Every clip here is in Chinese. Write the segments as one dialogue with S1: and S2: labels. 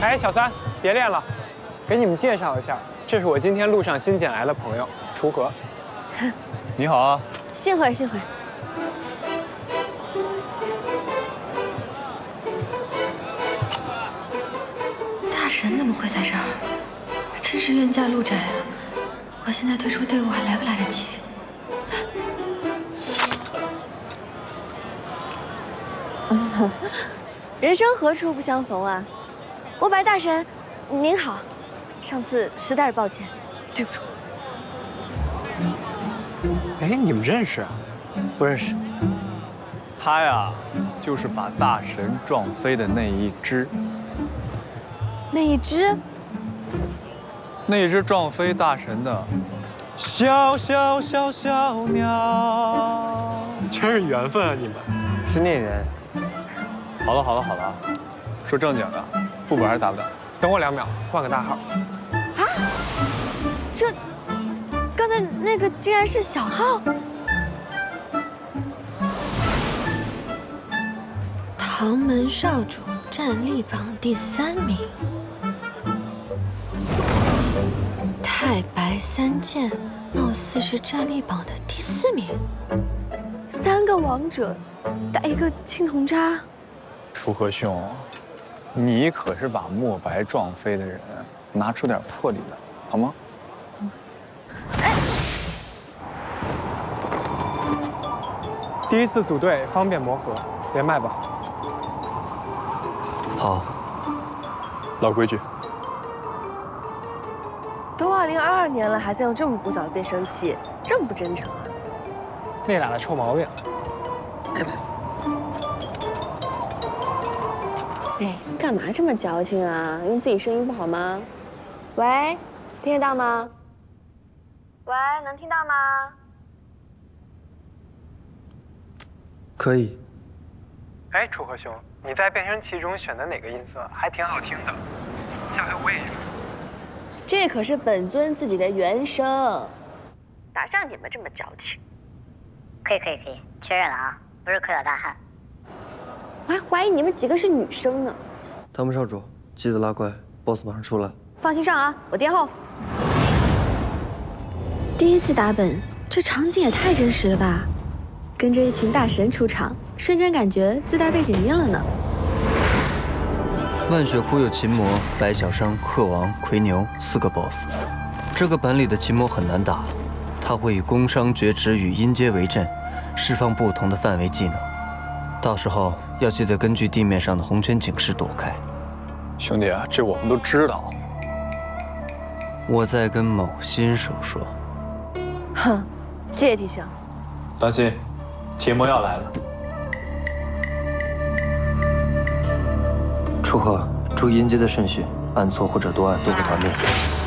S1: 哎，小三，别练了，给你们介绍一下，这是我今天路上新捡来的朋友，锄禾。
S2: 你好啊，
S3: 幸会幸会。大神怎么会在这儿？真是冤家路窄啊！我现在退出队伍还来不来得及？人生何处不相逢啊！我白大神，您好，上次实在是抱歉，对不住。
S1: 哎，你们认识啊？
S4: 不认识。
S2: 他呀，就是把大神撞飞的那一只。
S3: 那一只？
S2: 那一只撞飞大神的小小小小鸟。
S1: 真是缘分啊，你们。
S4: 是孽缘。
S2: 好了好了好了，说正经的，副本还打不打？
S1: 等我2秒，换个大号。
S3: 啊？这，刚才那个竟然是小号。唐门少主战力榜第3名，太白三剑貌似是战力榜的第4名。3个王者打一个青铜渣。
S2: 锄禾兄，你可是把墨白撞飞的人，拿出点魄力来，好吗？
S1: 第一次组队，方便磨合，连麦吧。
S4: 好，
S2: 老规矩。
S3: 都2022年了，还在用这么古早的变声器，这么不真诚啊！
S1: 那俩的臭毛病。
S3: 哎，干嘛这么矫情啊？用自己声音不好吗？喂，听得到吗？喂，能听到吗？
S4: 可以。
S1: 哎，锄禾兄，你在变声器中选的哪个音色还挺好听的，下回我也用。
S3: 这可是本尊自己的原声，哪像你们这么矫情？
S5: 可以，确认了啊，不是科小大汉。
S3: 我还怀疑你们几个是女生呢。
S4: 唐门少主，记得拉怪 ，BOSS 马上出来。
S3: 放心上啊，我殿后。第一次打本，这场景也太真实了吧！跟着一群大神出场，瞬间感觉自带背景音了呢。
S6: 万血窟有琴魔、白小生、鹤王、魁牛4个 BOSS， 这个本里的琴魔很难打，他会以工伤绝指与阴阶为阵，释放不同的范围技能。到时候要记得根据地面上的红圈警示躲开。
S2: 兄弟啊，这我们都知道。
S6: 我在跟某新手说。
S3: 哼，谢谢提醒。
S2: 当心，琴魔要来了。
S4: 锄禾，注意音阶的顺序，按错或者多按都会团灭。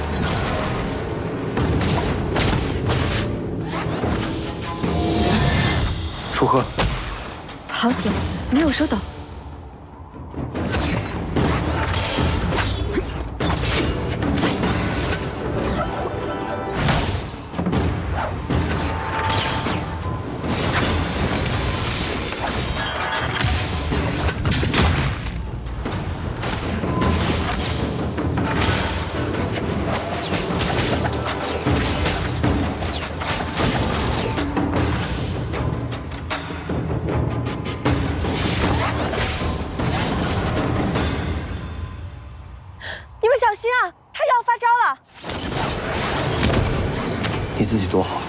S4: 锄禾，
S3: 好险，没有收到。你们小心啊，他就要发招了。
S4: 你自己躲好。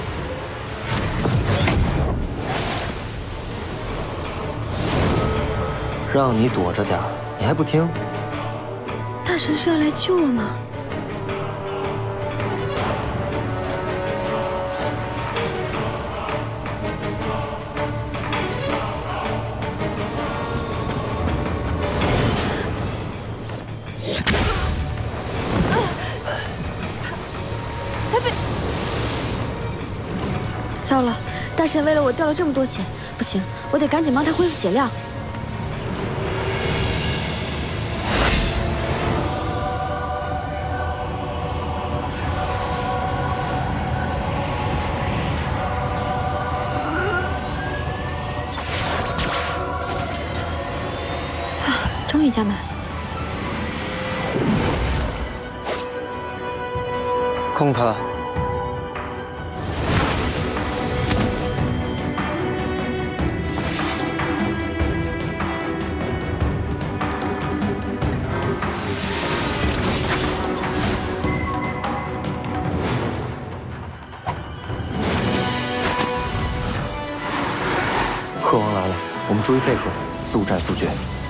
S4: 让你躲着点儿，你还不听？
S3: 大神是要来救我吗？糟了，大神为了我掉了这么多血，不行，我得赶紧帮他恢复血量。终于加满了。
S4: 控他。鹤王来了，我们注意配合，速战速决。